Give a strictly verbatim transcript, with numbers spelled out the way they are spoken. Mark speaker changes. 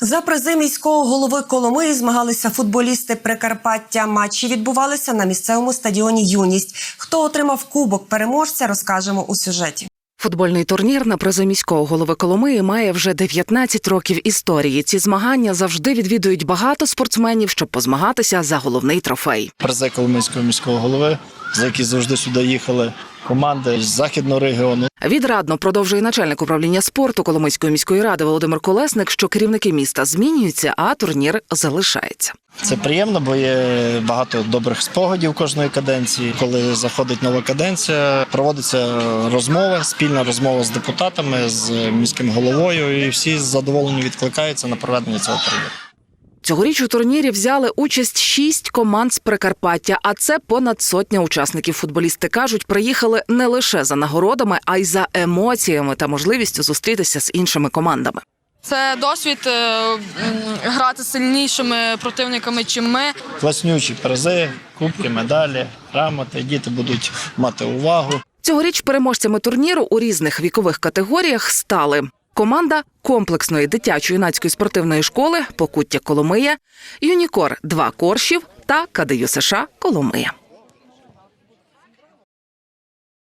Speaker 1: За призи міського голови Коломиї змагалися футболісти Прикарпаття. Матчі відбувалися на місцевому стадіоні «Юність». Хто отримав кубок переможця, розкажемо у сюжеті.
Speaker 2: Футбольний турнір на призи міського голови Коломиї має вже дев'ятнадцять років історії. Ці змагання завжди відвідують багато спортсменів, щоб позмагатися за головний трофей.
Speaker 3: Призи Коломийського міського голови, за які завжди сюди їхали команди з західного регіону.
Speaker 2: Відрадно продовжує начальник управління спорту Коломийської міської ради Володимир Колесник, що керівники міста змінюються, а турнір залишається.
Speaker 3: Це приємно, бо є багато добрих спогадів кожної каденції. Коли заходить нова каденція, проводиться розмова, спільна розмова з депутатами, з міським головою, і всі з задоволенням відкликаються на проведення цього турніру.
Speaker 2: Цьогоріч у турнірі взяли участь шість команд з Прикарпаття, а це понад сотня учасників. Футболісти кажуть, приїхали не лише за нагородами, а й за емоціями та можливістю зустрітися з іншими командами.
Speaker 4: Це досвід грати з сильнішими противниками, чим ми.
Speaker 3: Класнючі призи, кубки, медалі, грамоти, діти будуть мати увагу.
Speaker 2: Цьогоріч переможцями турніру у різних вікових категоріях стали команда комплексної дитячо-юнацької спортивної школи «Покуття Коломия», «Юнікор» два Коршів та КДЮ США Коломия.